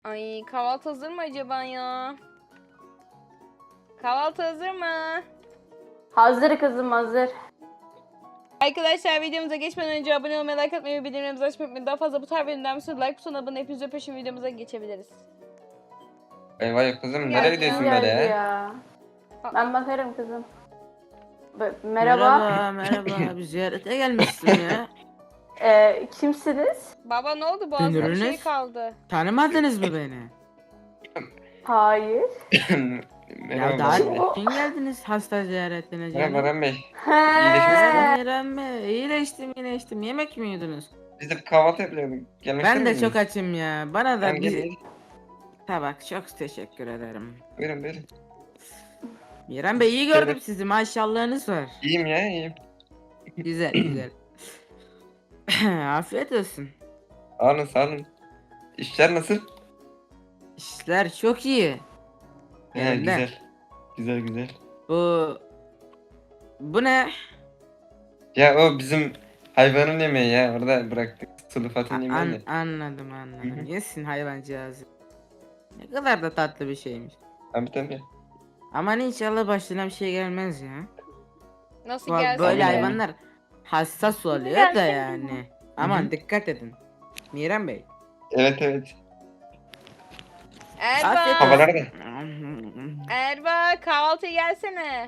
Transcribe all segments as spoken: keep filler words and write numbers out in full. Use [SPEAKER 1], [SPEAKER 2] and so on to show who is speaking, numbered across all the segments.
[SPEAKER 1] Ay kahvaltı hazır mı acaba ya? Kahvaltı hazır mı?
[SPEAKER 2] Hazır kızım hazır.
[SPEAKER 1] Arkadaşlar videomuza geçmeden önce abone olmayı, like atmayı ve bildirimlerimizi açmayı unutmayın. Daha fazla bu tarz bölümden bir sürü like butonuna abone hepinize peşin videomuza geçebiliriz.
[SPEAKER 3] Eyvah kızım
[SPEAKER 1] Geldi
[SPEAKER 3] nereye
[SPEAKER 1] ya.
[SPEAKER 3] gidiyorsun
[SPEAKER 2] Kim
[SPEAKER 3] böyle
[SPEAKER 2] geldi
[SPEAKER 3] ya?
[SPEAKER 2] ya?
[SPEAKER 1] Aa.
[SPEAKER 2] Ben bakarım kızım. B- merhaba.
[SPEAKER 4] Merhaba, merhaba. Bir ziyarete gelmişsin ya.
[SPEAKER 2] Ee, kimsiniz?
[SPEAKER 1] Baba ne oldu? Boğazında bir şey
[SPEAKER 4] Dünürünüz?
[SPEAKER 1] kaldı.
[SPEAKER 4] Tanımadınız mı beni?
[SPEAKER 2] Hayır.
[SPEAKER 3] Merhaba
[SPEAKER 4] Ya daha
[SPEAKER 3] Baran Bey.
[SPEAKER 4] dün geldiniz hasta ziyaretine
[SPEAKER 3] Merhaba
[SPEAKER 4] canım.
[SPEAKER 3] Baran Bey.
[SPEAKER 2] He.
[SPEAKER 3] İyileşmişsiniz.
[SPEAKER 4] İrem Bey, iyileştim, iyileştim. Yemek mi yiyordunuz?
[SPEAKER 3] Biz de kahvaltı yapıyorduk. Gelmek
[SPEAKER 4] Ben
[SPEAKER 3] ister
[SPEAKER 4] de
[SPEAKER 3] misiniz?
[SPEAKER 4] çok açım ya. Bana da
[SPEAKER 3] Tamam,
[SPEAKER 4] bir
[SPEAKER 3] gelin.
[SPEAKER 4] tabak. Çok teşekkür ederim.
[SPEAKER 3] Buyurun buyurun.
[SPEAKER 4] İrem Bey iyi gördüm sizi. Maşallahınız var.
[SPEAKER 3] İyiyim ya iyiyim.
[SPEAKER 4] Güzel, güzel. Afiyet olsun.
[SPEAKER 3] Sağ olun sağ olun. İşler nasıl?
[SPEAKER 4] İşler çok iyi.
[SPEAKER 3] He
[SPEAKER 4] Yerinde.
[SPEAKER 3] güzel. Güzel güzel.
[SPEAKER 4] Bu bu ne?
[SPEAKER 3] Ya o bizim hayvanın yemeği ya. Orada bıraktık. Sulu
[SPEAKER 4] A-
[SPEAKER 3] Fatih'in
[SPEAKER 4] an-
[SPEAKER 3] yemeğini.
[SPEAKER 4] anladım
[SPEAKER 3] Hı
[SPEAKER 4] anladım.
[SPEAKER 3] hı.
[SPEAKER 4] Yesin hayvancağızı. Ne kadar da tatlı bir şeymiş.
[SPEAKER 3] Tabii tabii.
[SPEAKER 4] Aman inşallah başına bir şey gelmez ya.
[SPEAKER 1] Nasıl
[SPEAKER 4] Bu-
[SPEAKER 1] gelsin?
[SPEAKER 4] Böyle
[SPEAKER 3] Amin.
[SPEAKER 4] hayvanlar hassas oluyor da yani. Aman
[SPEAKER 3] Hı.
[SPEAKER 4] dikkat edin. Miran Bey.
[SPEAKER 3] Evet evet.
[SPEAKER 4] Afiyet
[SPEAKER 1] Erba!
[SPEAKER 3] Havalar da.
[SPEAKER 4] olsun.
[SPEAKER 1] Erba kahvaltıya gelsene.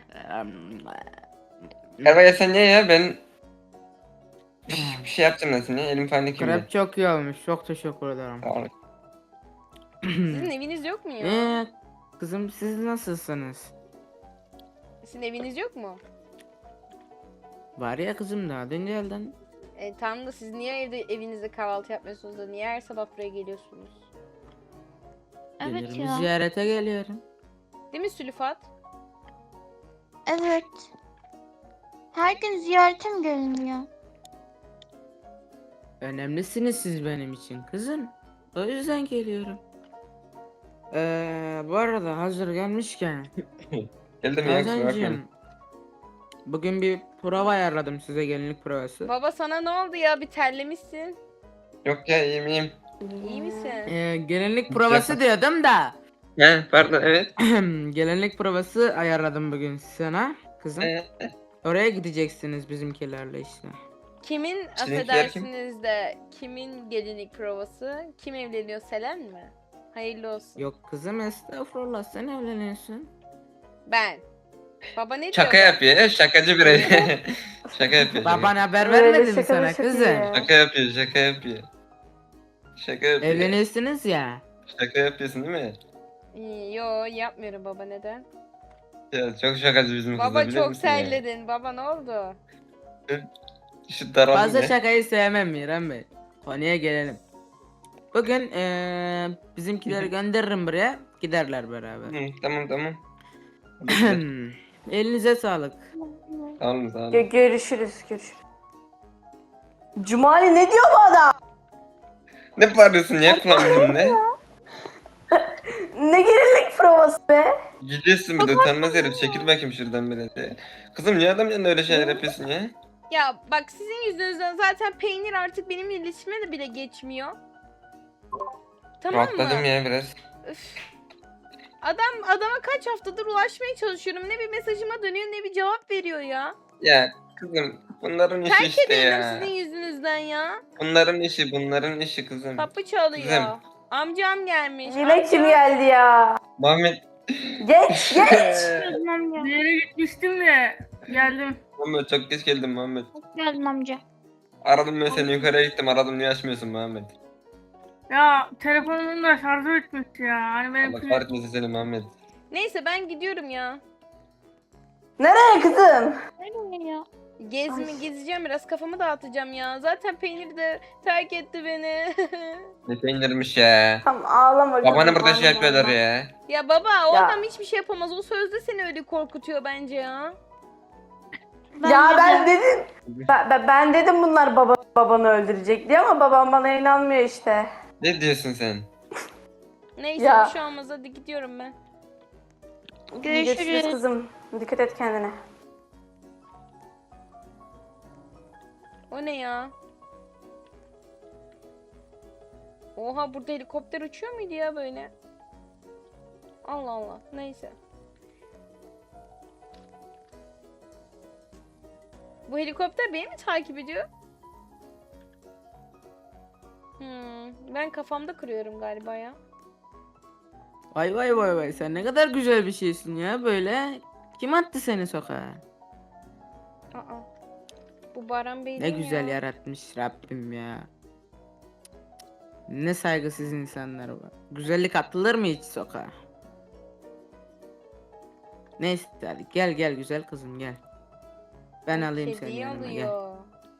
[SPEAKER 3] Erba ya sen niye ya ben bir şey yapacağım nasıl ya elim falan dikimde.
[SPEAKER 4] Krep çok iyi olmuş. Çok teşekkür ederim.
[SPEAKER 3] Sağ olun.
[SPEAKER 1] Sizin eviniz yok mu ya?
[SPEAKER 4] Ee, kızım siz nasılsınız?
[SPEAKER 1] Sizin eviniz yok mu?
[SPEAKER 4] Var ya kızım daha dün geldin.
[SPEAKER 1] E, tamam da siz niye evde evinizde kahvaltı yapmıyorsunuz da niye her sabah buraya geliyorsunuz?
[SPEAKER 5] Evet
[SPEAKER 4] Gelirim,
[SPEAKER 5] ya.
[SPEAKER 4] ziyarete geliyorum.
[SPEAKER 1] Değil mi Sülüfat?
[SPEAKER 5] Evet. Her gün ziyaretim geliniyor.
[SPEAKER 4] Önemlisiniz siz benim için kızım. O yüzden geliyorum. Ee, bu arada hazır gelmişken
[SPEAKER 3] Geldim ya kusura bakmayın.
[SPEAKER 4] Hazancığım, bugün bir prova ayarladım size, gelinlik provası.
[SPEAKER 1] Baba sana ne oldu ya? Bir terlemişsin.
[SPEAKER 3] Yok ya iyiyim iyiyim.
[SPEAKER 1] İyi misin?
[SPEAKER 4] Ee, gelinlik provası diyordum da.
[SPEAKER 3] He pardon evet.
[SPEAKER 4] Gelinlik provası ayarladım bugün sana kızım.
[SPEAKER 3] Ee,
[SPEAKER 4] Oraya gideceksiniz bizimkilerle işte.
[SPEAKER 1] Kimin
[SPEAKER 3] Sizinkiler kim?
[SPEAKER 1] affedersiniz de kimin gelinlik provası? Kim evleniyor? Selen mi? Hayırlı olsun.
[SPEAKER 4] Yok kızım estağfurullah, sen evleniyorsun.
[SPEAKER 1] Ben. Baba ne diyor?
[SPEAKER 3] Şaka yapıyor. e, Şakacı birey. Şaka yapıyor. şaka.
[SPEAKER 4] Baban haber
[SPEAKER 2] Böyle
[SPEAKER 4] vermedi mi
[SPEAKER 2] şaka
[SPEAKER 4] sana
[SPEAKER 2] şaka
[SPEAKER 4] kızım?
[SPEAKER 2] ya.
[SPEAKER 3] Şaka yapıyor. Şaka yapıyor. Şaka yapıyor.
[SPEAKER 4] Evleniyorsunuz ya.
[SPEAKER 3] Şaka yapıyorsun değil mi?
[SPEAKER 1] İyi, Yo yapmıyorum baba, neden?
[SPEAKER 3] Ya çok şakacı bizim kızlar
[SPEAKER 1] Baba
[SPEAKER 3] biliyor
[SPEAKER 1] çok
[SPEAKER 3] musun ya?
[SPEAKER 1] terledin. Baba ne oldu?
[SPEAKER 3] Şu daraldım
[SPEAKER 4] Fazla
[SPEAKER 3] ya.
[SPEAKER 4] şakayı sevmem Miran Bey. Konuya gelelim. Bugün eee bizimkileri gönderirim buraya. Giderler beraber.
[SPEAKER 3] Hı, tamam tamam. Hadi gidelim.
[SPEAKER 4] Elinize sağlık.
[SPEAKER 3] Sağ olun sağ olun.
[SPEAKER 2] Gö- görüşürüz görüşürüz. Cumali ne diyor bu adam?
[SPEAKER 3] Ne bağırıyorsun ya kulağımın ne?
[SPEAKER 2] Ne gelinlik provası be?
[SPEAKER 3] Gidiyorsun bir de utanmaz herif. Çekil bakayım şuradan biraz ya. Kızım niye adam yanında öyle şeyler yapıyorsun ya?
[SPEAKER 1] Ya bak sizin yüzünüzden zaten peynir artık benim iletişime de bile geçmiyor. Tamam mı?
[SPEAKER 3] Rahatladım ya biraz.
[SPEAKER 1] Üf. Adam adama kaç haftadır ulaşmaya çalışıyorum. Ne bir mesajıma dönüyor ne bir cevap veriyor ya.
[SPEAKER 3] Ya kızım bunların işi
[SPEAKER 1] Terk
[SPEAKER 3] işte
[SPEAKER 1] ediyorum
[SPEAKER 3] ya.
[SPEAKER 1] sizin yüzünüzden ya.
[SPEAKER 3] Bunların işi bunların işi kızım.
[SPEAKER 1] Kapı çalıyor.
[SPEAKER 3] Kızım.
[SPEAKER 1] Amcam gelmiş.
[SPEAKER 2] Yine
[SPEAKER 1] Amca.
[SPEAKER 2] kim geldi ya?
[SPEAKER 3] Muhammed.
[SPEAKER 2] Geç geç.
[SPEAKER 5] Geldim
[SPEAKER 6] Bir yere gitmiştim de geldim.
[SPEAKER 3] Muhammed çok geç geldin Muhammed.
[SPEAKER 5] Geldim amca.
[SPEAKER 3] Aradım ben seni yukarıya gittim aradım niye açmıyorsun Muhammed?
[SPEAKER 6] Ya telefonumun da şarjı bitmiş ya. Hani benim
[SPEAKER 3] Allah kahretmesin seni Muhammed.
[SPEAKER 1] Neyse ben gidiyorum ya.
[SPEAKER 2] Nereye kızım?
[SPEAKER 5] Nereye ya?
[SPEAKER 1] Gezmi
[SPEAKER 2] Ay.
[SPEAKER 1] gezeceğim biraz, kafamı dağıtacağım ya. Zaten peynir de terk etti beni.
[SPEAKER 3] Ne peynirmiş ya.
[SPEAKER 2] Tamam ağlama kızım.
[SPEAKER 3] Babanı burada şey
[SPEAKER 2] ağlama,
[SPEAKER 3] yapıyorlar
[SPEAKER 2] ağlama.
[SPEAKER 3] ya.
[SPEAKER 1] Ya baba o
[SPEAKER 2] Ya.
[SPEAKER 1] adam hiçbir şey yapamaz. O sözde seni öyle korkutuyor bence ya.
[SPEAKER 2] Ya
[SPEAKER 5] de-
[SPEAKER 2] ben dedim. Ben, ben, ben dedim bunlar baba babanı öldürecek diye ama babam bana inanmıyor işte.
[SPEAKER 3] Ne diyorsun sen?
[SPEAKER 1] Neyse
[SPEAKER 2] Ya.
[SPEAKER 1] bir şey olmaz, hadi gidiyorum ben.
[SPEAKER 5] Görüşürüz.
[SPEAKER 2] kızım. Dikkat et kendine.
[SPEAKER 1] O ne ya? Oha, burada helikopter uçuyor muydu ya böyle? Allah Allah. Neyse. Bu helikopter beni mi takip ediyor? Hmm, ben kafamda kırıyorum galiba ya.
[SPEAKER 4] Vay vay vay vay, sen ne kadar güzel bir şeysin ya böyle. Kim attı seni sokağa?
[SPEAKER 1] Aa. Bu Baran Bey
[SPEAKER 4] Ne
[SPEAKER 1] değil mi
[SPEAKER 4] güzel
[SPEAKER 1] ya?
[SPEAKER 4] yaratmış Rabbim ya. Ne saygısız insanlar var. Güzellik atılır mı hiç sokağa? Neyse hadi gel gel güzel kızım gel. Ben
[SPEAKER 1] Bu
[SPEAKER 4] alayım seni
[SPEAKER 1] kediyi
[SPEAKER 4] yanıma gel.
[SPEAKER 1] alıyor.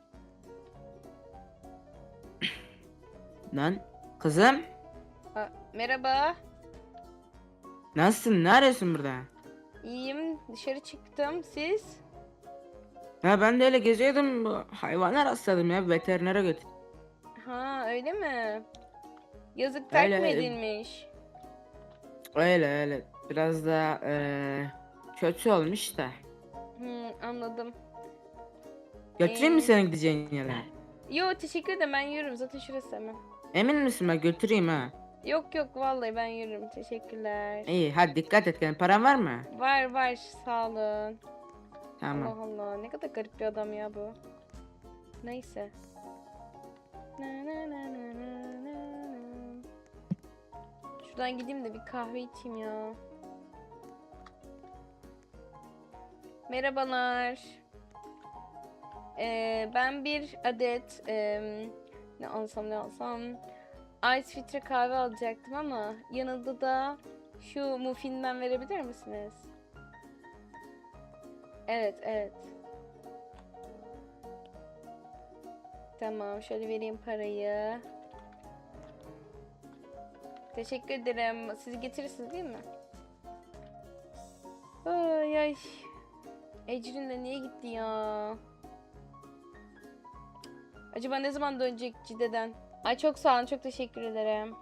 [SPEAKER 4] Lan kızım
[SPEAKER 1] Aa, merhaba.
[SPEAKER 4] nasılsın, ne arıyorsun burada?
[SPEAKER 1] İyiyim. Dışarı çıktım. Siz?
[SPEAKER 4] Ha ben de öyle geziyordum, bu hayvana rastladım ya, veterinere götür.
[SPEAKER 1] Ha, öyle mi? Yazık, terk
[SPEAKER 4] Öyle,
[SPEAKER 1] mi
[SPEAKER 4] e-
[SPEAKER 1] edilmiş?
[SPEAKER 4] Öyle öyle biraz da eee, kötü olmuş da.
[SPEAKER 1] Hmm, anladım.
[SPEAKER 4] Götüreyim
[SPEAKER 1] Ee,
[SPEAKER 4] mi senin gideceğin yere?
[SPEAKER 1] Yo, teşekkür ederim, ben yürürüm, zaten şurası hemen.
[SPEAKER 4] Emin misin, ben götüreyim ha?
[SPEAKER 1] Yok yok, vallahi ben yürürüm, teşekkürler.
[SPEAKER 4] İyi hadi dikkat et kendine, paran var mı?
[SPEAKER 1] Var var, sağ olun.
[SPEAKER 4] Tamam.
[SPEAKER 1] Allah Allah, ne kadar garip bir adam ya bu. Neyse. Na na na na na na na. Şuradan gideyim de bir kahve içeyim ya. Merhabalar. Ee, ben bir adet em, ne alsam ne alsam ice filtre kahve alacaktım ama yanında da şu muffinden verebilir misiniz? Evet, evet. Tamam, şöyle vereyim parayı. Teşekkür ederim. Siz getirirsiniz değil mi? Ay ay. Ecrin de niye gitti ya? Acaba ne zaman dönecek Cide'den? Ay çok sağ olun, çok teşekkür ederim.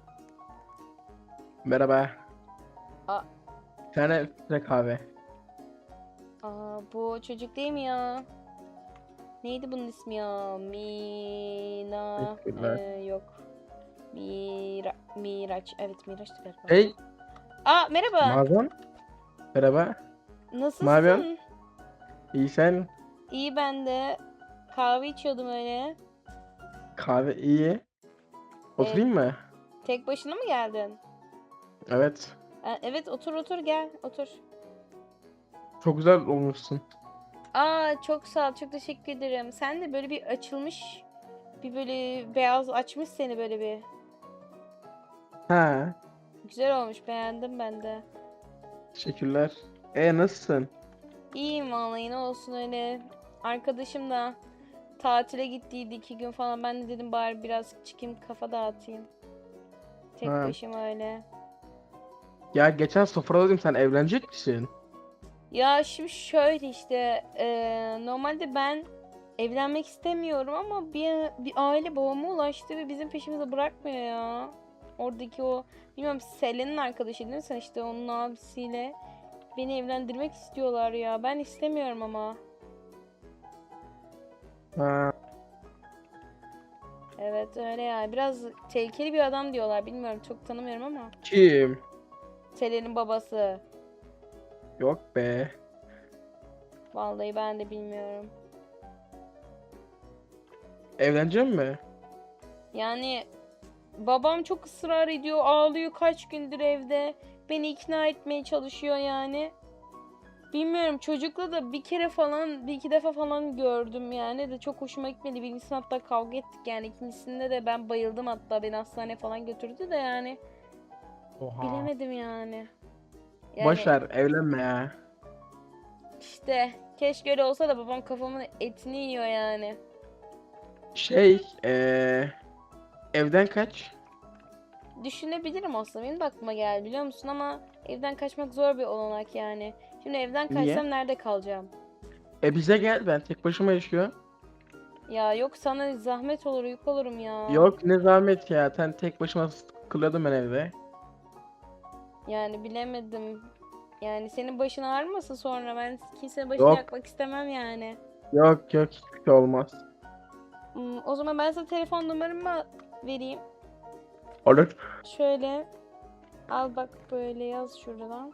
[SPEAKER 7] Merhaba.
[SPEAKER 1] Aa.
[SPEAKER 7] Bir tane filtre kahve.
[SPEAKER 1] Aa, bu çocuk değil mi ya? Neydi bunun ismi ya? Mina...
[SPEAKER 7] Teşekkürler.
[SPEAKER 1] Ee, yok. Mira... Miraç. Evet, Miraç'tı galiba.
[SPEAKER 7] Hey,
[SPEAKER 1] Aa, merhaba.
[SPEAKER 7] Mazlum. Merhaba.
[SPEAKER 1] Nasılsın?
[SPEAKER 7] ne yapıyorsun? İyi sen?
[SPEAKER 1] İyi, ben de. Kahve içiyordum öyle.
[SPEAKER 7] Kahve iyi. Oturayım mı?
[SPEAKER 1] Tek başına mı geldin?
[SPEAKER 7] Evet.
[SPEAKER 1] Aa, evet, otur otur, gel otur.
[SPEAKER 7] Çok güzel olmuşsun.
[SPEAKER 1] Aa, çok sağ ol, çok teşekkür ederim. Sen de böyle bir açılmış, bir böyle beyaz açmış seni böyle bir.
[SPEAKER 7] Ha.
[SPEAKER 1] Güzel olmuş, beğendim ben de.
[SPEAKER 7] Teşekkürler. E nasılsın?
[SPEAKER 1] İyiyim vallahi, ne olsun öyle. Arkadaşım da tatile gittiydi iki gün falan. Ben de dedim bari biraz çıkayım, kafa dağıtayım. Tek
[SPEAKER 7] Ha.
[SPEAKER 1] başıma öyle.
[SPEAKER 7] Ya geçen sofraladım, sen evlenecek misin?
[SPEAKER 1] Ya şimdi şöyle işte eee, normalde ben evlenmek istemiyorum ama bir, bir aile babama ulaştı ve bizim peşimizi bırakmıyor ya. Oradaki o, bilmiyorum, Selen'in arkadaşı değil mi sen, işte onun abisiyle beni evlendirmek istiyorlar ya. Ben istemiyorum ama.
[SPEAKER 7] Ha.
[SPEAKER 1] Evet öyle ya. Biraz tehlikeli bir adam diyorlar. Bilmiyorum, çok tanımıyorum ama.
[SPEAKER 7] Kim?
[SPEAKER 1] Selen'in babası.
[SPEAKER 7] Yok be.
[SPEAKER 1] Vallahi ben de bilmiyorum.
[SPEAKER 7] Evlenecek mi?
[SPEAKER 1] Yani babam çok ısrar ediyor, ağlıyor kaç gündür evde. Beni ikna etmeye çalışıyor yani. Bilmiyorum, çocukla da bir kere falan, bir iki defa falan gördüm yani de çok hoşuma gitmedi. Birincisinde hatta kavga ettik yani, ikincisinde de ben bayıldım, hatta beni hastaneye falan götürdü de yani.
[SPEAKER 7] Oha.
[SPEAKER 1] Bilemedim yani. Yani
[SPEAKER 7] Boş ver, evlenme ya.
[SPEAKER 1] işte keşke öyle olsa da babam kafamın etini yiyor yani.
[SPEAKER 7] Şey, eee evden kaç?
[SPEAKER 1] Düşünebilirim aslında, benim de aklıma geldi biliyor musun, ama evden kaçmak zor bir olanak yani. Şimdi evden
[SPEAKER 7] Niye?
[SPEAKER 1] kaçsam nerede kalacağım?
[SPEAKER 7] E bize gel, ben tek başıma yaşıyorum.
[SPEAKER 1] Ya yok, sana zahmet olur, yük olurum ya.
[SPEAKER 7] Yok ne zahmet ya, sen tek başıma sıkılıyordum ben evde.
[SPEAKER 1] Yani bilemedim. Yani senin başın ağrımasın sonra, ben kimsenin başını
[SPEAKER 7] Yok.
[SPEAKER 1] yakmak istemem yani.
[SPEAKER 7] Yok yok, hiçbir şey olmaz.
[SPEAKER 1] Hmm, o zaman ben sana telefon numaramı vereyim.
[SPEAKER 7] Olur.
[SPEAKER 1] Şöyle al bak, böyle yaz şuradan.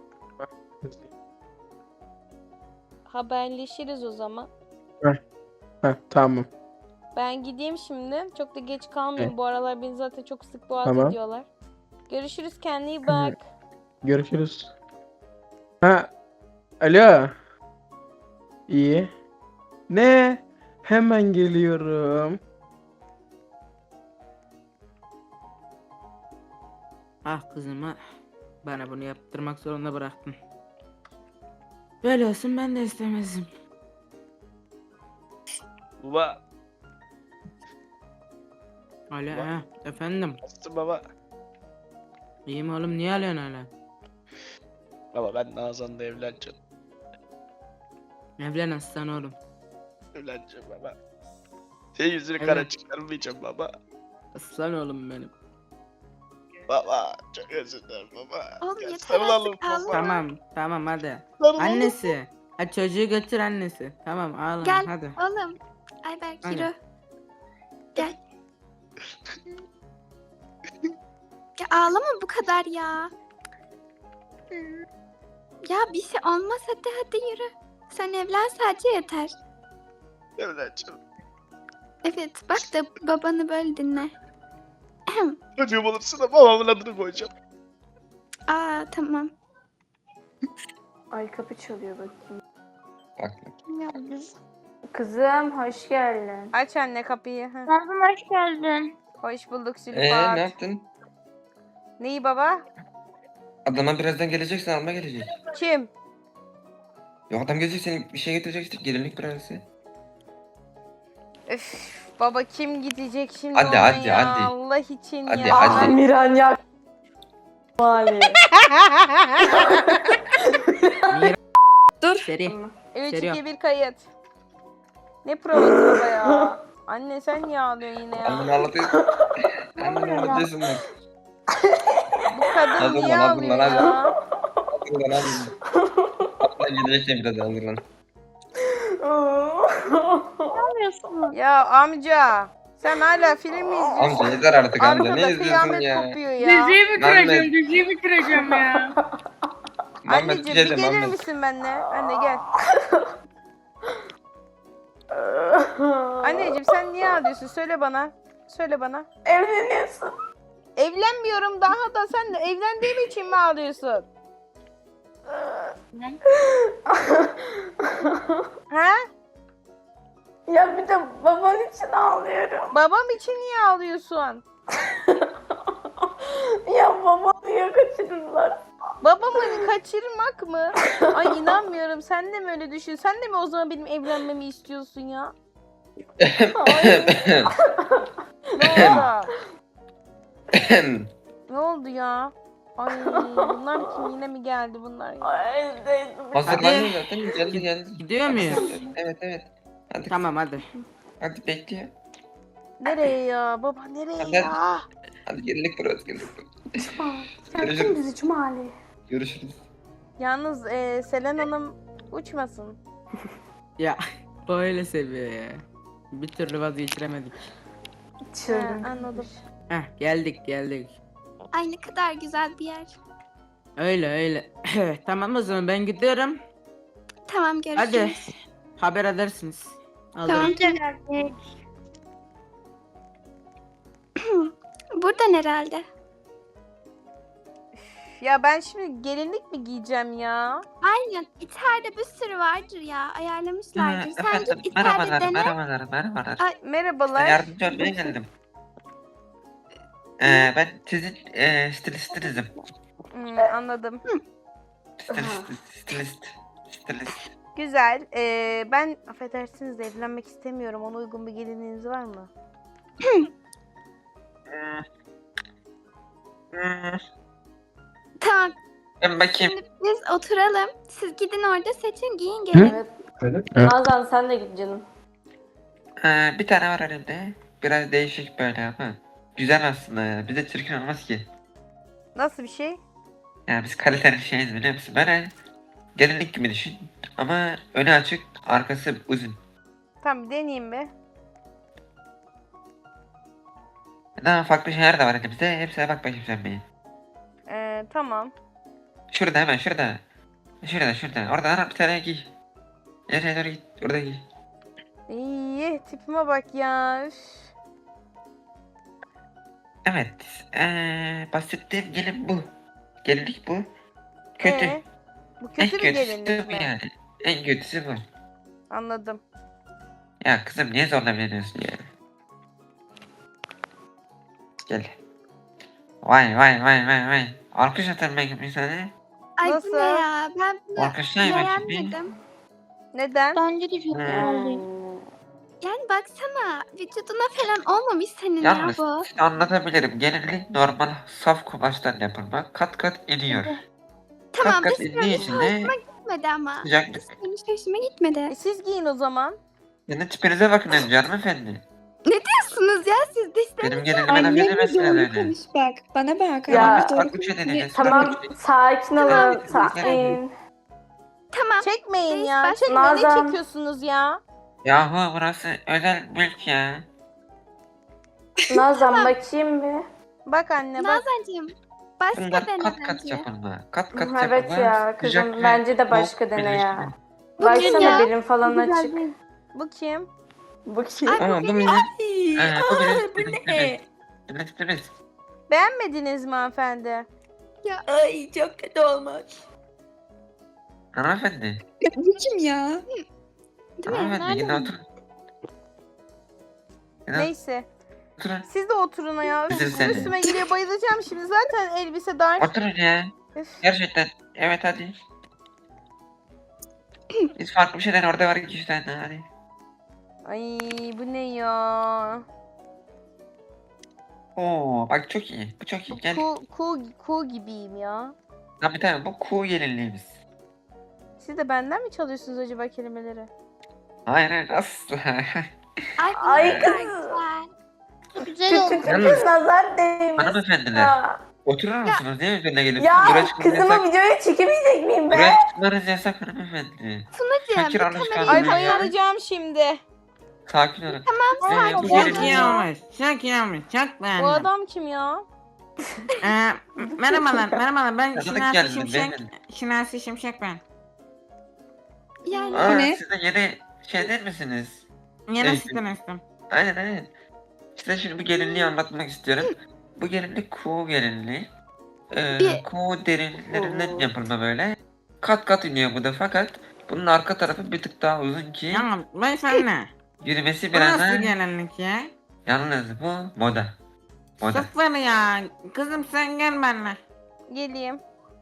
[SPEAKER 1] Haberleşiriz o zaman.
[SPEAKER 7] Heh, tamam.
[SPEAKER 1] Ben gideyim şimdi. Çok da geç kalmayayım.
[SPEAKER 7] Evet.
[SPEAKER 1] Bu aralar beni zaten çok sık boğaz
[SPEAKER 7] Tamam.
[SPEAKER 1] ediyorlar. Görüşürüz, kendine iyi
[SPEAKER 7] Hı.
[SPEAKER 1] bak.
[SPEAKER 7] Görüşürüz. Ha, alo. İyi. Ne? Hemen geliyorum.
[SPEAKER 4] Ah kızım ah. Bana bunu yaptırmak zorunda bıraktın. Böyle olsun ben de istemezdim.
[SPEAKER 8] Baba,
[SPEAKER 4] Alo
[SPEAKER 8] Bak.
[SPEAKER 4] ha, efendim.
[SPEAKER 8] nasılsın baba?
[SPEAKER 4] İyiyim oğlum, niye alıyorsun hala?
[SPEAKER 8] Baba ben Nazan'la evleneceğim.
[SPEAKER 4] Evlen aslan oğlum.
[SPEAKER 8] Evleneceğim baba. Senin yüzünü
[SPEAKER 4] Evet.
[SPEAKER 8] kara çıkarmayacağım baba.
[SPEAKER 4] Aslan oğlum benim.
[SPEAKER 8] Baba, çok özür dilerim baba.
[SPEAKER 5] Oğlum
[SPEAKER 8] Gel
[SPEAKER 5] yeter
[SPEAKER 8] sarılalım
[SPEAKER 5] artık, ağlama.
[SPEAKER 8] baba.
[SPEAKER 4] Tamam tamam hadi.
[SPEAKER 8] Sarılalım.
[SPEAKER 4] Annesi. Ha çocuğu götür annesi. Tamam ağlama
[SPEAKER 5] Gel
[SPEAKER 4] hadi.
[SPEAKER 5] oğlum. Ayberk
[SPEAKER 4] Hadi.
[SPEAKER 5] yürü. Gel. Ya ağlama bu kadar ya. Hmm. Ya bir şey olmaz, hadi hadi yürü. Sen evlen sadece yeter.
[SPEAKER 8] Evleneceğim.
[SPEAKER 5] Evet bak da babanı böyle dinle.
[SPEAKER 8] Çocuğum olursa da babamın adını koyacağım.
[SPEAKER 5] Aa tamam.
[SPEAKER 2] Ay kapı çalıyor bakayım.
[SPEAKER 3] Bak.
[SPEAKER 2] Kızım hoş geldin.
[SPEAKER 1] Aç anne kapıyı. Heh.
[SPEAKER 6] Nazım hoş geldin.
[SPEAKER 1] Hoş bulduk
[SPEAKER 3] Ee
[SPEAKER 1] Zülfat.
[SPEAKER 3] ne yaptın?
[SPEAKER 1] Neyi baba?
[SPEAKER 3] Adama birazdan geleceksin, alma gelecek.
[SPEAKER 1] Kim?
[SPEAKER 3] Yok adam gelecek, seni bir şey getirecek işte, gelinlik prensesi.
[SPEAKER 1] Öf, baba kim gidecek şimdi
[SPEAKER 3] Hadi,
[SPEAKER 1] ona
[SPEAKER 3] hadi,
[SPEAKER 1] ya?
[SPEAKER 3] hadi.
[SPEAKER 1] Allah için
[SPEAKER 3] Hadi,
[SPEAKER 1] ya.
[SPEAKER 3] hadi.
[SPEAKER 2] Miran ya. Mali.
[SPEAKER 5] Dur.
[SPEAKER 4] Seri.
[SPEAKER 1] üç
[SPEAKER 4] Seriyor.
[SPEAKER 1] iki bir kayıt. Ne provası baba ya? Anne sen niye ağlıyorsun yine ya?
[SPEAKER 3] Anneni ağlatıyorsun. Anneni ağlatıyorsun bak.
[SPEAKER 1] Bu kadın
[SPEAKER 3] Hazırlan,
[SPEAKER 1] niye
[SPEAKER 3] hazırlan,
[SPEAKER 1] ağlıyor
[SPEAKER 3] hadi.
[SPEAKER 1] ya?
[SPEAKER 3] Hazırlan hazırlan. Hatta gidecek de biraz hazırlan.
[SPEAKER 1] Ya amca sen hala film mi izliyorsun?
[SPEAKER 3] Amca yeter artık amca,
[SPEAKER 1] Arkada
[SPEAKER 3] ne izliyorsun
[SPEAKER 1] kıyamet
[SPEAKER 3] ya?
[SPEAKER 1] kopuyor ya.
[SPEAKER 6] Diziyi bitireceğim,
[SPEAKER 3] Mehmet.
[SPEAKER 6] diziyi bitireceğim ya.
[SPEAKER 3] Muhammed
[SPEAKER 1] Anneciğim bir
[SPEAKER 3] diyeceğim,
[SPEAKER 1] gelir
[SPEAKER 3] Muhammed.
[SPEAKER 1] misin benimle? Anne gel. Anneciğim sen niye ağlıyorsun? Söyle bana. Söyle bana.
[SPEAKER 2] Evleniyorsun.
[SPEAKER 1] Evlenmiyorum daha da sen de evlendiğim için mi ağlıyorsun? Ha?
[SPEAKER 2] Ya bir de baban için ağlıyorum.
[SPEAKER 1] Babam için niye ağlıyorsun?
[SPEAKER 2] Ya babamı niye kaçırırlar?
[SPEAKER 1] Babamı kaçırmak mı? Ay inanmıyorum. Sen de mi öyle düşün? Sen de mi o zaman benim evlenmemi istiyorsun ya?
[SPEAKER 2] Hayır.
[SPEAKER 1] Ne oldu? Ne oldu ya? Ay bunlar kim, yine mi geldi bunlar ya?
[SPEAKER 2] Ay, evdeydim.
[SPEAKER 3] Hazırlanıyor zaten, geldi geldi.
[SPEAKER 4] Gidiyor muyuz?
[SPEAKER 3] Evet evet. Hadi
[SPEAKER 4] Tamam hadi.
[SPEAKER 3] hadi bekliyor.
[SPEAKER 1] Nereye ya? Baba nereye
[SPEAKER 3] Hadi.
[SPEAKER 1] ya?
[SPEAKER 3] Hadi gelinlik burası, gelinlik burası.
[SPEAKER 2] Cuma. Sen
[SPEAKER 3] Görüşürüz.
[SPEAKER 2] kim bizi Cumali?
[SPEAKER 3] Görüşürüz.
[SPEAKER 1] Yalnız e, Selen Hanım uçmasın.
[SPEAKER 4] Ya böyle seviyor ya. Bir türlü vazgeçiremedik.
[SPEAKER 2] Çılgın.
[SPEAKER 1] Ha, anladım.
[SPEAKER 4] Heh geldik geldik.
[SPEAKER 5] Ay ne kadar güzel bir yer.
[SPEAKER 4] Öyle öyle. Tamam o zaman ben gidiyorum.
[SPEAKER 5] Tamam
[SPEAKER 4] Hadi.
[SPEAKER 5] görüşürüz.
[SPEAKER 4] Haber edersiniz. Aldım.
[SPEAKER 5] Tamam. Buradan herhalde.
[SPEAKER 1] Ya ben şimdi gelinlik mi giyeceğim ya?
[SPEAKER 5] Aynen. İçeride bir sürü vardır ya. Ayarlamışlardır. Sen
[SPEAKER 3] Efendim,
[SPEAKER 5] git içeride
[SPEAKER 3] merhabalar,
[SPEAKER 5] dene.
[SPEAKER 3] merhabalar, merhabalar.
[SPEAKER 5] Ay.
[SPEAKER 3] Size
[SPEAKER 1] Merhabalar.
[SPEAKER 3] yardımcı olmaya geldim. Ee, ben sizin e, stilistinizim.
[SPEAKER 1] Hmm, anladım.
[SPEAKER 3] Stilist, stilist, stilist.
[SPEAKER 1] Güzel. Ee, ben affedersiniz de evlenmek istemiyorum. Ona uygun bir gelinliğiniz var mı?
[SPEAKER 3] Hmm. Hmm.
[SPEAKER 5] Tamam.
[SPEAKER 3] Ben bakayım.
[SPEAKER 5] Şimdi biz oturalım. Siz gidin orada seçin, giyin gelin.
[SPEAKER 2] Evet.
[SPEAKER 7] Evet.
[SPEAKER 2] Nazan sen de git canım.
[SPEAKER 3] Ee, bir tane var elimde. Biraz değişik böyle ama. Güzel aslında ya. Bize çirkin olmaz ki.
[SPEAKER 1] Nasıl bir şey?
[SPEAKER 3] Ya biz kaliteli şeyiz, biliyor musun? Böyle gelinlik gibi düşün. Ama önü açık, arkası uzun.
[SPEAKER 1] Tamam bir deneyeyim bir.
[SPEAKER 3] Daha farklı şeyler de var elimizde. Hepsine bak bakayım sen bir.
[SPEAKER 1] Ee, tamam.
[SPEAKER 3] Şurada hemen şurada. Şurada şurada. Orada ana bir tane giy. Nereye doğru git. Orada giy.
[SPEAKER 1] İyi tipime bak ya. Üf.
[SPEAKER 3] Evet. Ee, bahsettiğim gelin bu. Gelinlik bu. Kötü.
[SPEAKER 1] Ee, bu
[SPEAKER 3] En
[SPEAKER 1] kötü bir
[SPEAKER 3] kötüsü
[SPEAKER 1] gelinlik
[SPEAKER 3] bu
[SPEAKER 1] mi?
[SPEAKER 3] yani. En kötüsü bu.
[SPEAKER 1] Anladım.
[SPEAKER 3] Ya kızım niye zorla veriyorsun ya? Gel. Vay vay vay vay vay. Alkış atarım ben bir sana.
[SPEAKER 5] Ay
[SPEAKER 1] Nasıl?
[SPEAKER 5] bu ne ya? Ben bunu
[SPEAKER 3] Alkışlayın bakayım bir.
[SPEAKER 5] beğenmedim.
[SPEAKER 1] Neden?
[SPEAKER 9] Bence de çok
[SPEAKER 3] Hmm.
[SPEAKER 9] oldu.
[SPEAKER 5] Yani baksana vücuduna falan olmamış senin ya
[SPEAKER 3] Yalnız
[SPEAKER 5] bu.
[SPEAKER 3] size anlatabilirim. Gelinlik normal saf kumaştan yapılma. Kat kat iniyor.
[SPEAKER 5] Tamam
[SPEAKER 3] kat kat
[SPEAKER 5] dış
[SPEAKER 3] indiği
[SPEAKER 5] görünüş
[SPEAKER 3] için de
[SPEAKER 5] hoşuma gitmedi ama.
[SPEAKER 3] sıcaklık.
[SPEAKER 5] Dış görünüş hoşuma gitmedi.
[SPEAKER 1] E, siz giyin o zaman.
[SPEAKER 3] Senin tipinize bakın önce hanımefendi.
[SPEAKER 5] Diyorsunuz ya siz dış
[SPEAKER 3] Benim gelinime laf
[SPEAKER 9] Annemle
[SPEAKER 3] edemezsiniz
[SPEAKER 9] doğru
[SPEAKER 3] öyle.
[SPEAKER 9] konuş bak. Bana bak.
[SPEAKER 2] Ya,
[SPEAKER 9] Annemle
[SPEAKER 3] Biz
[SPEAKER 9] doğru
[SPEAKER 3] farklı bir şey
[SPEAKER 9] konuş.
[SPEAKER 3] deneyeceğiz.
[SPEAKER 2] Tamam
[SPEAKER 3] farklı bir şey.
[SPEAKER 2] sakin olun.
[SPEAKER 3] Tamam.
[SPEAKER 2] Sakin.
[SPEAKER 5] Tamam.
[SPEAKER 1] Çekmeyin
[SPEAKER 5] Reis,
[SPEAKER 1] ya.
[SPEAKER 5] baş-
[SPEAKER 1] Çekmeyin. Ne
[SPEAKER 2] Nazan.
[SPEAKER 1] çekiyorsunuz ya?
[SPEAKER 3] Yahu burası özel mülk ya.
[SPEAKER 2] Nazan bakayım bir.
[SPEAKER 1] Bak anne bak.
[SPEAKER 5] Nazancığım başka
[SPEAKER 3] Bunlar
[SPEAKER 5] dene
[SPEAKER 3] kat kat
[SPEAKER 5] bence.
[SPEAKER 3] yapılma. Kat kat
[SPEAKER 2] Evet
[SPEAKER 3] yapılma.
[SPEAKER 2] ya
[SPEAKER 3] sıcak
[SPEAKER 2] kızım
[SPEAKER 3] ve
[SPEAKER 2] bence de başka
[SPEAKER 3] soğuk
[SPEAKER 2] dene ya.
[SPEAKER 3] birleşimi.
[SPEAKER 2] Baksana
[SPEAKER 5] ya.
[SPEAKER 2] belim falan
[SPEAKER 9] Güzel
[SPEAKER 2] açık.
[SPEAKER 9] değil.
[SPEAKER 1] Bu kim?
[SPEAKER 2] Bu kim?
[SPEAKER 5] Ay,
[SPEAKER 3] Ama bu bizim... Ee, bu bizim... Bu ne? Bizim
[SPEAKER 1] Beğenmediniz mi hanımefendi?
[SPEAKER 9] Ay çok kötü olmuş.
[SPEAKER 3] Hanımefendi.
[SPEAKER 9] Bu kim ya?
[SPEAKER 5] Değil mi?
[SPEAKER 3] Hanımefendi yine oturun. Yine
[SPEAKER 1] Neyse.
[SPEAKER 3] oturun.
[SPEAKER 1] Siz de oturun ya. Üf,
[SPEAKER 3] Bizim seni.
[SPEAKER 1] üstüme geliyor bayılacağım şimdi. Zaten elbise dar.
[SPEAKER 3] Oturun ya.
[SPEAKER 1] Üf.
[SPEAKER 3] Gerçekten. Evet hadi. Biz farklı bir şeyden orada var iki üç tane hadi.
[SPEAKER 1] Ay bu ne ya?
[SPEAKER 3] Oo bak çok iyi. Bu çok iyi. Gel.
[SPEAKER 1] Ku, ku, ku gibiyim ya.
[SPEAKER 3] Tabii tabii bu kuğu gelinliğimiz.
[SPEAKER 1] Siz de benden mi çalıyorsunuz acaba kelimeleri?
[SPEAKER 3] Hayır hayır asla.
[SPEAKER 5] Ay, bu
[SPEAKER 2] Ay
[SPEAKER 5] ne kadar
[SPEAKER 2] kız.
[SPEAKER 5] güzel.
[SPEAKER 9] Güzel oldu.
[SPEAKER 2] Küçük
[SPEAKER 3] Yalnız-
[SPEAKER 2] kız nazar değmiş.
[SPEAKER 3] Hanımefendiler.
[SPEAKER 2] Ya,
[SPEAKER 3] Oturur musunuz? Niye üzerine geliyorsunuz?
[SPEAKER 2] ya
[SPEAKER 3] Buraya çıkmanız
[SPEAKER 2] kızımı
[SPEAKER 3] yasak.
[SPEAKER 2] videoya çekemeyecek miyim ben?
[SPEAKER 3] Buraya çıkmanız yasak hanımefendi.
[SPEAKER 5] Tunacığım
[SPEAKER 3] Fakir
[SPEAKER 5] bir
[SPEAKER 3] alışkanlığı
[SPEAKER 5] kamerayı
[SPEAKER 1] Ay
[SPEAKER 3] ya.
[SPEAKER 1] bayılacağım şimdi.
[SPEAKER 3] Sakin olun.
[SPEAKER 5] Tamam
[SPEAKER 3] Ee,
[SPEAKER 5] sakin
[SPEAKER 3] bu
[SPEAKER 5] ol.
[SPEAKER 4] Çok
[SPEAKER 3] gelinlik-
[SPEAKER 4] iyi olmuş. Çok iyi olmuş. Çok
[SPEAKER 1] Bu
[SPEAKER 4] beğendim.
[SPEAKER 1] adam kim ya?
[SPEAKER 4] Ee, merhabalar, merhabalar. Ben
[SPEAKER 3] Tanıdık
[SPEAKER 4] Şinasi
[SPEAKER 3] geldi,
[SPEAKER 4] Şimşek.
[SPEAKER 3] beyefendi.
[SPEAKER 4] Şinasi Şimşek ben.
[SPEAKER 5] Yani
[SPEAKER 3] Aa,
[SPEAKER 9] ne?
[SPEAKER 3] siz de yeni şey değil misiniz?
[SPEAKER 4] Yeni
[SPEAKER 3] Evet.
[SPEAKER 4] asistan üstüm.
[SPEAKER 3] Aynen aynen. Size şimdi bu gelinliği anlatmak istiyorum. Bu gelinlik kuğu gelinliği. Ee,
[SPEAKER 5] Bir-
[SPEAKER 3] kuğu derinlerinden yapılma böyle. Kat kat iniyor bu da fakat bunun arka tarafı bir tık daha uzun ki
[SPEAKER 4] Ya beyefendi.
[SPEAKER 3] yürümesi
[SPEAKER 4] Bu
[SPEAKER 3] biraz
[SPEAKER 4] nasıl
[SPEAKER 3] daha...
[SPEAKER 4] gelinlik ya?
[SPEAKER 3] Yalnız bu moda. Moda.
[SPEAKER 4] Sıfır ya. Kızım sen gel benimle.
[SPEAKER 1] Geleyim.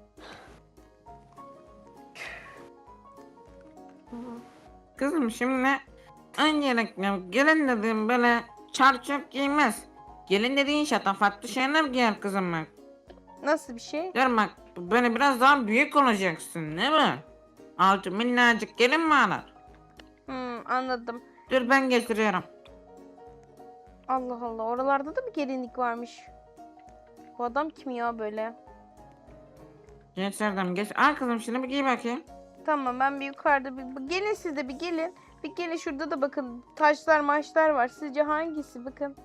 [SPEAKER 4] Kızım şimdi öncelikle gelin dediğim böyle çarçur giymez. Gelin dediğin şatafatlı şeyler giyer kızım bak.
[SPEAKER 1] Nasıl bir şey?
[SPEAKER 4] Gör bak böyle biraz daha büyük olacaksın değil mi? Altı minnacık gelin mi alır?
[SPEAKER 1] Hmm, anladım.
[SPEAKER 4] Dur ben getiriyorum.
[SPEAKER 1] Allah Allah. Oralarda da bir gelinlik varmış. Bu adam kim ya böyle?
[SPEAKER 4] Getirdim geç. Al kızım şimdi bir giy bakayım.
[SPEAKER 1] Tamam ben bir yukarıda bir bir- gelin siz de bir gelin. Bir gelin şurada da bakın taşlar maçlar var. Sizce hangisi? Bakın.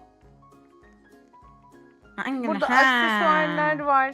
[SPEAKER 4] Hangini?
[SPEAKER 1] Burada
[SPEAKER 4] Ha.
[SPEAKER 1] aksesuarlar var.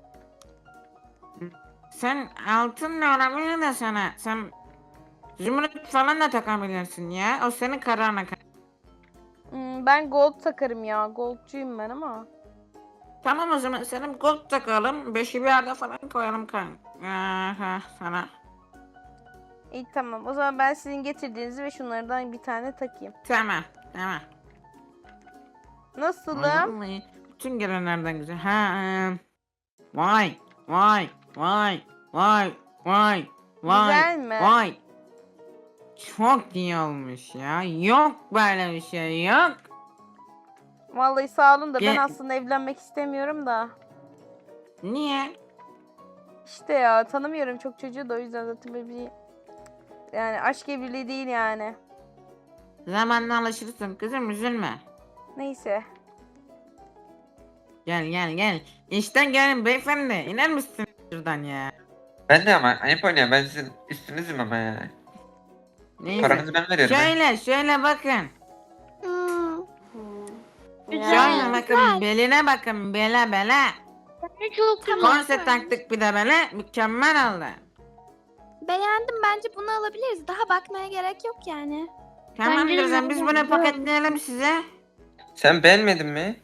[SPEAKER 4] Sen altın ne olabilir de sana? Sen zümrüt falan da takabilirsin ya. O senin kararına. kal-
[SPEAKER 1] Hmm, ben gold takarım ya. Goldcuyum ben ama.
[SPEAKER 4] Tamam o zaman senin gold takalım. Beşi bir yerde falan koyalım kan. Aha sana.
[SPEAKER 1] İyi tamam. O zaman ben sizin getirdiğinizi ve şunlardan bir tane takayım.
[SPEAKER 4] Tamam. Tamam.
[SPEAKER 1] Nasılım?
[SPEAKER 4] Vallahi bütün gelenlerden güzel. Ha. e, Vay. Vay. Vay. Vay. Vay. Vay.
[SPEAKER 1] Güzel mi?
[SPEAKER 4] Vay. Çok iyi olmuş ya. Yok böyle bir şey yok.
[SPEAKER 1] Vallahi sağ olun da ben
[SPEAKER 4] Ge-
[SPEAKER 1] aslında evlenmek istemiyorum da.
[SPEAKER 4] Niye?
[SPEAKER 1] İşte ya tanımıyorum çok çocuğu da o yüzden zaten böyle bir yani aşk evliliği değil yani.
[SPEAKER 4] Zamanla alışırsın kızım üzülme.
[SPEAKER 1] Neyse.
[SPEAKER 4] Gel gel gel. İşten gelin beyefendi. İner misin şuradan ya?
[SPEAKER 3] Ben de ama ayıp oynuyor. Ben sizin üstünüzüm ama ya.
[SPEAKER 4] Neyse.
[SPEAKER 3] Paranızı ben veriyorum. ha.
[SPEAKER 4] Şöyle şöyle bakın.
[SPEAKER 5] Hmm.
[SPEAKER 4] Şöyle bakın beline bakın bele bele.
[SPEAKER 6] Bence çok güzel.
[SPEAKER 4] Korse taktık bir de böyle mükemmel oldu.
[SPEAKER 5] Beğendim, bence bunu alabiliriz. Daha bakmaya gerek yok yani.
[SPEAKER 4] Tamam
[SPEAKER 6] Bence
[SPEAKER 4] kızım biz
[SPEAKER 6] güzel.
[SPEAKER 4] bunu paketleyelim size.
[SPEAKER 3] Sen beğenmedin mi?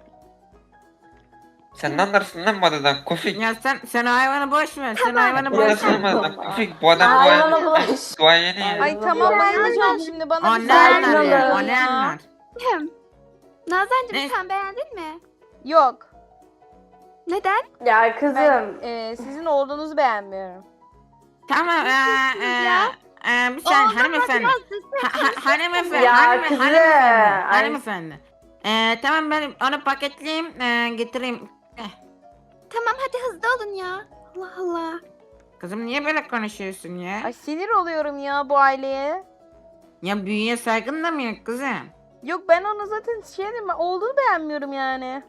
[SPEAKER 3] Sen ne anlarsın lan bu adadan Kofik?
[SPEAKER 4] Ya sen sen o hayvanı boş ver. Sen o hayvanı
[SPEAKER 3] Bu
[SPEAKER 4] boş
[SPEAKER 3] nasıl
[SPEAKER 4] ver.
[SPEAKER 3] bu adam Kofik? Bu adam
[SPEAKER 2] Hayvana
[SPEAKER 3] duayeni.
[SPEAKER 2] bulaş.
[SPEAKER 3] Duayeni ya.
[SPEAKER 1] Ay tamam bayılacağım şimdi bana
[SPEAKER 4] O
[SPEAKER 1] bir
[SPEAKER 4] ne
[SPEAKER 1] sakin
[SPEAKER 4] anlar
[SPEAKER 1] olun
[SPEAKER 4] ya? O
[SPEAKER 1] ya.
[SPEAKER 4] ne anlar?
[SPEAKER 5] Hem. Nazancığım
[SPEAKER 4] Ne?
[SPEAKER 5] sen beğendin mi?
[SPEAKER 1] Yok.
[SPEAKER 5] Neden?
[SPEAKER 2] Ya kızım.
[SPEAKER 1] Ben e, sizin oğlunuzu beğenmiyorum.
[SPEAKER 4] Tamam eee eee
[SPEAKER 5] ya?
[SPEAKER 4] eee bir saniye
[SPEAKER 5] Oğlum,
[SPEAKER 4] hanımefendi.
[SPEAKER 5] biraz hızlı
[SPEAKER 4] Ha, ha,
[SPEAKER 5] konuşur
[SPEAKER 4] hanımefendi,
[SPEAKER 2] Ya
[SPEAKER 4] hanıme-
[SPEAKER 2] kızım,
[SPEAKER 4] hanımefendi,
[SPEAKER 2] ay.
[SPEAKER 4] hanımefendi. Eee tamam ben onu paketleyeyim, eee, getireyim. Eh,
[SPEAKER 5] Tamam hadi hızlı olun ya. Allah Allah.
[SPEAKER 4] kızım niye böyle konuşuyorsun ya?
[SPEAKER 1] Ay sinir oluyorum ya bu aileye.
[SPEAKER 4] Ya büyüye saygın da mı yok kızım?
[SPEAKER 1] Yok ben onu zaten şey dedim, oğlunu beğenmiyorum yani.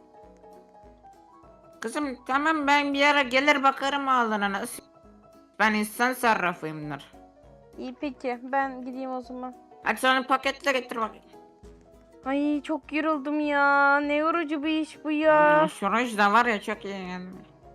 [SPEAKER 4] Kızım tamam ben bir ara gelir bakarım oğluna nasıl. Ben insan sarrafıyımdır.
[SPEAKER 1] İyi peki ben gideyim o zaman.
[SPEAKER 4] Hadi sonra paketle getir bakayım.
[SPEAKER 1] Ay çok yoruldum ya. Ne yorucu bir iş bu ya.
[SPEAKER 4] Hmm, şu ruj da var ya çok iyi yani.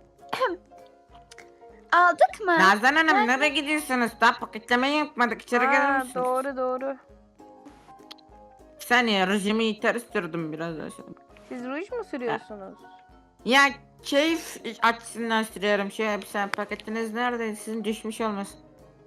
[SPEAKER 5] Aldık mı?
[SPEAKER 4] Nazan Hanım nereye gidiyorsunuz? Daha paketlemeyi yapmadık. İçeri gelir
[SPEAKER 1] Aa,
[SPEAKER 4] misiniz?
[SPEAKER 1] doğru doğru.
[SPEAKER 4] Bir saniye rujimi ters sürdüm biraz daha sonra.
[SPEAKER 1] Siz ruj mu sürüyorsunuz?
[SPEAKER 4] Ya keyif açısından sürüyorum. Şöyle bir sen paketiniz nerede? Sizin düşmüş olmasın.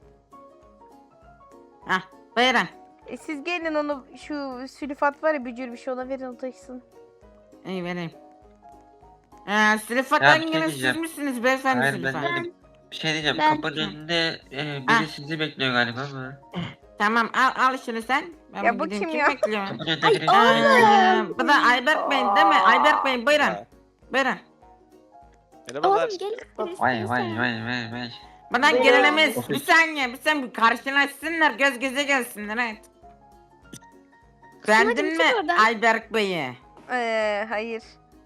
[SPEAKER 4] Hah buyurun.
[SPEAKER 1] E, siz gelin onu şu sülfat var ya bücür bir şey ona verin o taşısın.
[SPEAKER 4] İyi vereyim. Ee, Süleyfat
[SPEAKER 3] Ya bir şey
[SPEAKER 4] hanginiz siz
[SPEAKER 3] diyeceğim.
[SPEAKER 4] misiniz beyefendi
[SPEAKER 3] Hayır
[SPEAKER 4] Süleyfat?
[SPEAKER 3] ben değilim. Bir şey diyeceğim.
[SPEAKER 5] Ben-
[SPEAKER 3] Kapının önünde e,
[SPEAKER 4] Ah.
[SPEAKER 3] biri sizi bekliyor galiba ama.
[SPEAKER 4] Tamam al, al şunu sen. Ben
[SPEAKER 1] Ya
[SPEAKER 4] bir
[SPEAKER 1] bu
[SPEAKER 4] gideyim.
[SPEAKER 1] kim
[SPEAKER 4] Kim
[SPEAKER 1] ya?
[SPEAKER 4] bekliyor?
[SPEAKER 3] Kapının önünde biri
[SPEAKER 4] Ee, bu da Ayberk Bey değil mi? Ayberk Bey buyurun. Buyurun.
[SPEAKER 8] Merhabalar.
[SPEAKER 5] Oğlum gel istersen.
[SPEAKER 3] Vay vay vay vay vay.
[SPEAKER 4] Bana
[SPEAKER 2] Buyurun.
[SPEAKER 4] gelinimiz. Bir saniye bir saniye karşılaşsınlar göz göze gelsinler evet. Beğendin
[SPEAKER 5] git
[SPEAKER 4] mi
[SPEAKER 5] oradan.
[SPEAKER 4] Ayberk Bey'i?
[SPEAKER 1] Ee, hayır.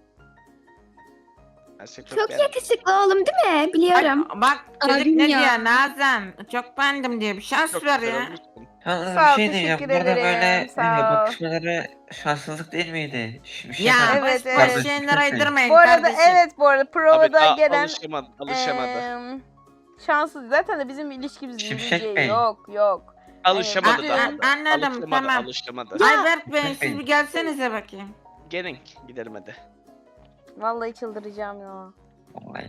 [SPEAKER 8] Ben seni
[SPEAKER 5] Çok
[SPEAKER 8] beğendim.
[SPEAKER 5] yakışıklı oğlum değil mi? Biliyorum.
[SPEAKER 4] Ay, bak çocuk
[SPEAKER 9] Abim
[SPEAKER 4] ne
[SPEAKER 9] ya.
[SPEAKER 4] diyor Nazan? Çok beğendim diyor. Bir şans
[SPEAKER 8] Çok
[SPEAKER 4] ver
[SPEAKER 8] güzel
[SPEAKER 4] ya.
[SPEAKER 8] olmuşsun.
[SPEAKER 3] Yalnız
[SPEAKER 1] Sağ ol,
[SPEAKER 3] bir şey diyeceğim.
[SPEAKER 1] teşekkür
[SPEAKER 3] Burada
[SPEAKER 1] ederim,
[SPEAKER 3] böyle
[SPEAKER 1] sağ
[SPEAKER 3] e,
[SPEAKER 1] ol.
[SPEAKER 3] bakışmaları şanssızlık değil miydi? Ş- Bir şey
[SPEAKER 4] Ya
[SPEAKER 3] falan-
[SPEAKER 1] Evet,
[SPEAKER 4] boş
[SPEAKER 1] evet.
[SPEAKER 4] boş şeyler aydırmayın
[SPEAKER 1] Bu arada
[SPEAKER 4] kardeşim.
[SPEAKER 1] evet bu arada
[SPEAKER 8] Abi
[SPEAKER 1] provada
[SPEAKER 8] daha
[SPEAKER 1] gelen
[SPEAKER 8] alışamadı. alışamadı.
[SPEAKER 1] eee, şanssız. Zaten de bizim ilişkimiz
[SPEAKER 3] Şimşek
[SPEAKER 1] İngilizce
[SPEAKER 3] Bey.
[SPEAKER 1] yok yok.
[SPEAKER 8] alışamadı
[SPEAKER 1] Ee,
[SPEAKER 8] daha.
[SPEAKER 1] bütün-
[SPEAKER 4] A- anladım
[SPEAKER 8] Alışamadı,
[SPEAKER 4] tamam.
[SPEAKER 8] alışamadı.
[SPEAKER 4] Ayberk Bey
[SPEAKER 3] Peki.
[SPEAKER 4] siz bir gelsenize bakayım.
[SPEAKER 8] Gelin gidelim hadi.
[SPEAKER 1] Vallahi çıldıracağım ya.
[SPEAKER 3] Vallahi.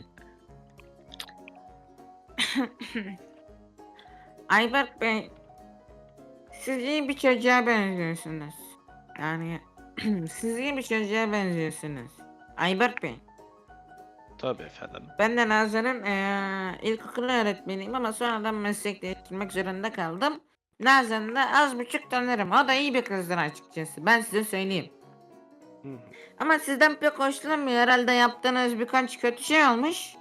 [SPEAKER 4] Ayberk Bey siz iyi bir çocuğa benziyorsunuz. Yani siz iyi bir çocuğa benziyorsunuz. Ayberk Bey.
[SPEAKER 8] Tabii efendim.
[SPEAKER 4] Ben de Nazan'ın eee ilkokul öğretmeniyim ama sonradan meslek değiştirmek zorunda kaldım. Nazan'ı da az buçuk tanırım. O da iyi bir kızdır açıkçası. Ben size söyleyeyim.
[SPEAKER 8] Hı.
[SPEAKER 4] Ama sizden pek hoşlanmıyor. Herhalde yaptığınız birkaç kötü şey olmuş.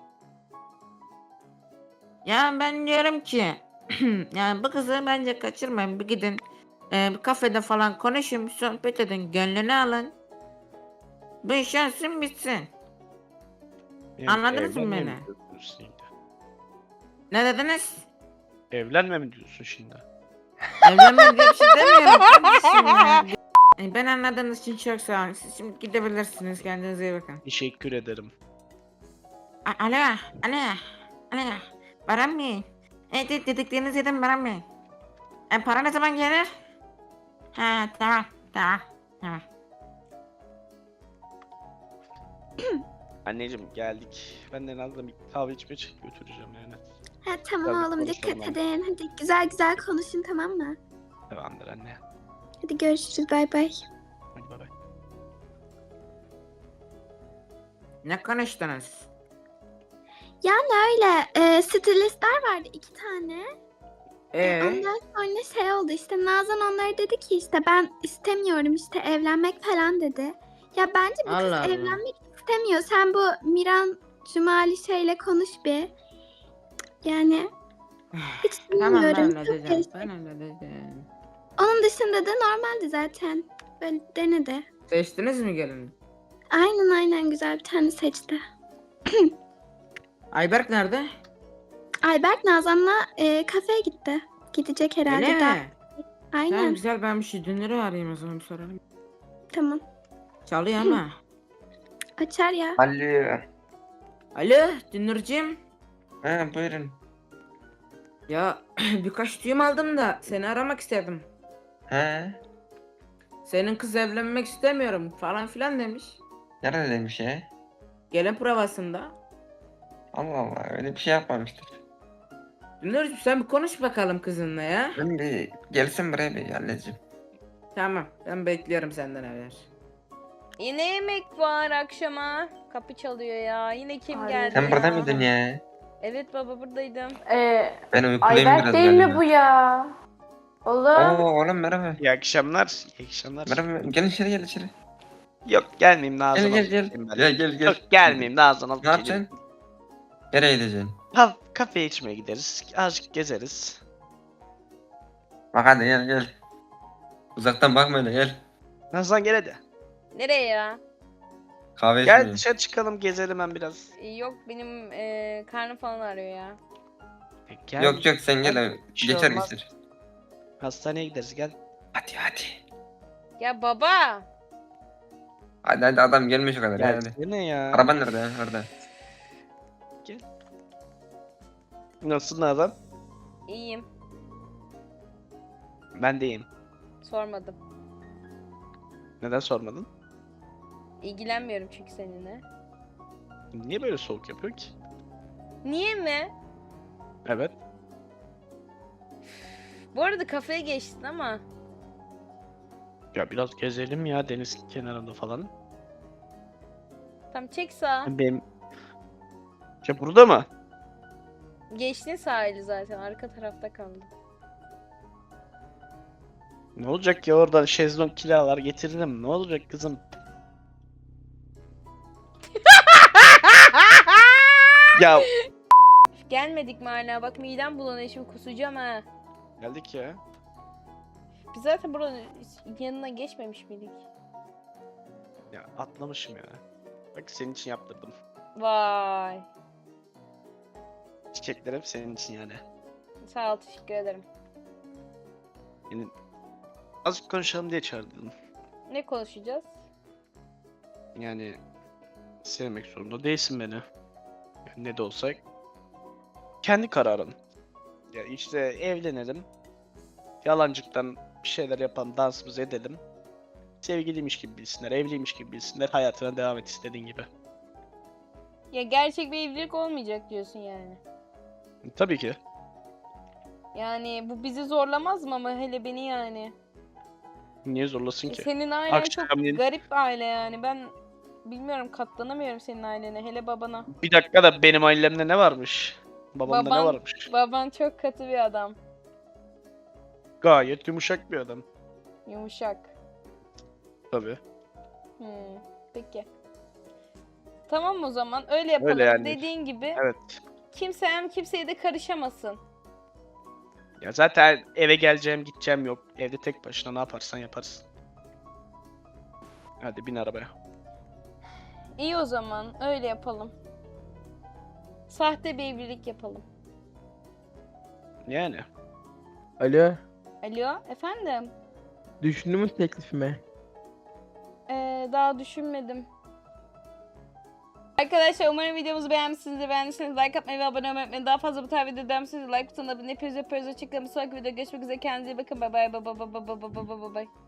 [SPEAKER 4] Ya ben diyorum ki yani bu kızı bence kaçırmayın. Bir gidin eee, bir kafede falan konuşun, bir sohbet edin, gönlünü alın. Bu iş olsun bitsin.
[SPEAKER 8] Yani
[SPEAKER 4] Anladınız mı
[SPEAKER 8] evlenme
[SPEAKER 4] beni?
[SPEAKER 8] mi diyorsun şimdi?
[SPEAKER 4] Ne dediniz?
[SPEAKER 8] Evlenme mi diyorsun şimdi?
[SPEAKER 4] Evlenme diye bir şey demiyorum kardeşim ya. E, Ben anladığınız için çok sağ olun. Siz şimdi gidebilirsiniz. Kendinize iyi bakın.
[SPEAKER 8] Teşekkür ederim.
[SPEAKER 4] A- Alo, alo, alo. Baran Bey. Evet, evet dediklerinizi yedim Baran Bey. E, para ne zaman gelir? Ha, tamam, tamam, tamam.
[SPEAKER 8] Anneciğim geldik. Ben de Nazlı bir kahve içmeye çık götüreceğim yani.
[SPEAKER 5] Ha, tamam
[SPEAKER 8] Tabii,
[SPEAKER 5] oğlum dikkat
[SPEAKER 8] konuşalım.
[SPEAKER 5] edin. Hadi güzel güzel konuşun tamam mı?
[SPEAKER 8] Tamamdır anne.
[SPEAKER 5] Hadi görüşürüz bay bay.
[SPEAKER 8] Hadi bay bay.
[SPEAKER 4] Ne konuştunuz?
[SPEAKER 5] Yani öyle e, stilistler vardı iki tane.
[SPEAKER 4] Ee,
[SPEAKER 5] Ondan sonra şey oldu işte Nazan onlara dedi ki işte ben istemiyorum işte evlenmek falan dedi. Ya bence bu kız
[SPEAKER 4] Allah Allah.
[SPEAKER 5] evlenmek istemiyor. Sen bu Miran Cumali şeyle konuş bir. Yani hiç
[SPEAKER 4] tamam ben
[SPEAKER 5] bilmiyorum. Çok
[SPEAKER 4] halledeceğim.
[SPEAKER 5] karışık.
[SPEAKER 4] Ben halledeceğim.
[SPEAKER 5] Onun dışında da normaldi zaten. Böyle denedi.
[SPEAKER 4] Seçtiniz mi gelini?
[SPEAKER 5] Aynen aynen güzel bir tane seçti.
[SPEAKER 4] Ayberk nerede?
[SPEAKER 5] Ayberk Nazan'la e, kafeye gitti. Gidecek herhalde
[SPEAKER 4] Öyle
[SPEAKER 5] daha.
[SPEAKER 4] mi?
[SPEAKER 5] Aynen
[SPEAKER 4] Tamam güzel ben bir şey dünürü arayayım o zaman bir soralım.
[SPEAKER 5] tamam.
[SPEAKER 4] Çalıyor ama.
[SPEAKER 5] Açar ya.
[SPEAKER 3] Alo.
[SPEAKER 4] Alo Dünürcüğüm.
[SPEAKER 3] Ha buyurun.
[SPEAKER 4] Ya birkaç düğüm aldım da seni aramak istedim.
[SPEAKER 3] Ha?
[SPEAKER 4] Senin kız evlenmek istemiyorum falan filan demiş.
[SPEAKER 3] Nerede demiş ya?
[SPEAKER 4] Gelin provasında.
[SPEAKER 3] Allah Allah öyle bir şey yapmamıştır.
[SPEAKER 4] Dünürcüğüm sen bir konuş bakalım kızınla ya.
[SPEAKER 3] Ben bir gelsin buraya bir halledeceğim.
[SPEAKER 4] Tamam ben bekliyorum senden haber.
[SPEAKER 1] Yine yemek var akşama. Kapı çalıyor ya. Yine kim
[SPEAKER 2] Ay,
[SPEAKER 1] geldi
[SPEAKER 3] Sen
[SPEAKER 1] ya?
[SPEAKER 3] burada mıydın ya?
[SPEAKER 1] Evet baba buradaydım.
[SPEAKER 2] Ee,
[SPEAKER 3] Ben uykuluyum
[SPEAKER 2] Ayberk
[SPEAKER 3] biraz
[SPEAKER 2] değil mi
[SPEAKER 3] galiba.
[SPEAKER 2] bu ya? Oğlum.
[SPEAKER 3] Oo oğlum merhaba.
[SPEAKER 8] İyi akşamlar. İyi akşamlar.
[SPEAKER 3] Merhaba gel içeri gel içeri.
[SPEAKER 8] Yok gelmeyeyim Nazan
[SPEAKER 3] Gel gel
[SPEAKER 8] alıp
[SPEAKER 3] gel.
[SPEAKER 8] geleyim ben.
[SPEAKER 3] Gel gel gel.
[SPEAKER 8] Yok gelmeyeyim Nazan alıp
[SPEAKER 3] Ne
[SPEAKER 8] geleyim.
[SPEAKER 3] yapacaksın? Nereye gideceksin?
[SPEAKER 8] Ha, kafeye içmeye gideriz. Azıcık gezeriz.
[SPEAKER 3] Bak hadi gel gel. Uzaktan bakma öyle gel.
[SPEAKER 8] Nazan gel hadi.
[SPEAKER 1] Nereye ya?
[SPEAKER 3] Kahve
[SPEAKER 8] Gel
[SPEAKER 3] içmeye.
[SPEAKER 8] dışarı çıkalım gezelim ben biraz.
[SPEAKER 1] Ee, Yok benim e, karnım falan ağrıyor ya.
[SPEAKER 8] E, Gel.
[SPEAKER 3] Yok yok sen gel abi.
[SPEAKER 8] Bir şey
[SPEAKER 3] Geçer
[SPEAKER 8] olmaz.
[SPEAKER 3] geçer.
[SPEAKER 8] Hastaneye gideriz gel.
[SPEAKER 3] Hadi hadi.
[SPEAKER 1] Ya baba.
[SPEAKER 3] Hadi hadi adam gelmiş o kadar ya hadi.
[SPEAKER 8] Gel ne ya?
[SPEAKER 3] Araban nerede ya? Orada.
[SPEAKER 8] Nasılsın Nazan?
[SPEAKER 1] İyiyim.
[SPEAKER 8] Ben de iyiyim.
[SPEAKER 1] Sormadım.
[SPEAKER 8] Neden sormadın?
[SPEAKER 1] İlgilenmiyorum çünkü seninle.
[SPEAKER 8] Niye böyle soğuk yapıyor ki?
[SPEAKER 1] Niye mi?
[SPEAKER 8] Evet.
[SPEAKER 1] Bu arada kafeye geçtin ama.
[SPEAKER 8] Ya biraz gezelim ya deniz kenarında falan.
[SPEAKER 1] Tam çek sağa.
[SPEAKER 8] Benim... Ya burada mı?
[SPEAKER 1] Geçtin sahili zaten. Arka tarafta kaldı.
[SPEAKER 8] Ne olacak ya oradan şezlong kiralar getiririm. Ne olacak kızım? Ya
[SPEAKER 1] Gelmedik mi hala? Bak midem bulanıyor şimdi kusacağım ha.
[SPEAKER 8] geldik ya.
[SPEAKER 1] Biz zaten buranın yanına geçmemiş miydik?
[SPEAKER 8] Ya atlamışım ya. Bak senin için yaptırdım.
[SPEAKER 1] Vay.
[SPEAKER 8] Çiçekler hep senin için yani.
[SPEAKER 1] Sağ ol teşekkür ederim.
[SPEAKER 8] Yani azıcık konuşalım diye çağırdım.
[SPEAKER 1] Ne konuşacağız?
[SPEAKER 8] Yani sevmek zorunda değilsin beni. Yani ne de olsa kendi kararın. Ya işte evlenelim. Yalancıktan bir şeyler yapalım, dansımızı edelim. Sevgiliymiş gibi bilsinler, evliymiş gibi bilsinler, hayatına devam et istediğin gibi.
[SPEAKER 1] Ya gerçek bir evlilik olmayacak diyorsun yani.
[SPEAKER 8] Tabii ki.
[SPEAKER 1] Yani bu bizi zorlamaz mı ama hele beni yani.
[SPEAKER 8] Niye zorlasın
[SPEAKER 1] E,
[SPEAKER 8] ki?
[SPEAKER 1] Senin ailen
[SPEAKER 8] Akşam
[SPEAKER 1] çok
[SPEAKER 8] yedi-
[SPEAKER 1] garip bir aile yani. Ben bilmiyorum katlanamıyorum senin ailene hele babana.
[SPEAKER 8] Bir dakika da benim ailemde ne varmış? Babamda
[SPEAKER 1] Baban-
[SPEAKER 8] ne varmış?
[SPEAKER 1] Baban çok katı bir adam.
[SPEAKER 8] Gayet yumuşak bir adam.
[SPEAKER 1] Yumuşak.
[SPEAKER 8] Tabii.
[SPEAKER 1] Hmm, peki. Tamam o zaman öyle yapalım.
[SPEAKER 8] Öyle yani.
[SPEAKER 1] Dediğin gibi
[SPEAKER 8] Evet.
[SPEAKER 1] kimse hem kimseye de karışamasın.
[SPEAKER 8] Ya zaten eve geleceğim, gideceğim yok. Evde tek başına ne yaparsan yaparsın. Hadi bin arabaya.
[SPEAKER 1] İyi o zaman öyle yapalım. Sahte bir evlilik yapalım.
[SPEAKER 8] Yani.
[SPEAKER 7] Alo.
[SPEAKER 1] Alo efendim?
[SPEAKER 7] Düşündün mü teklifimi?
[SPEAKER 1] Ee, daha düşünmedim. Arkadaşlar umarım videomuzu beğenmişsinizdir. Beğendiyseniz like atmayı ve abone olmayı unutmayın. Daha fazla bu tarz video derseniz like butonuna abone yapıyoruz. Yapıyoruz. Açıklamayı sonraki videoda görüşmek üzere. Kendinize iyi bakın. Bay bay bay bay bay bay bay bay bay.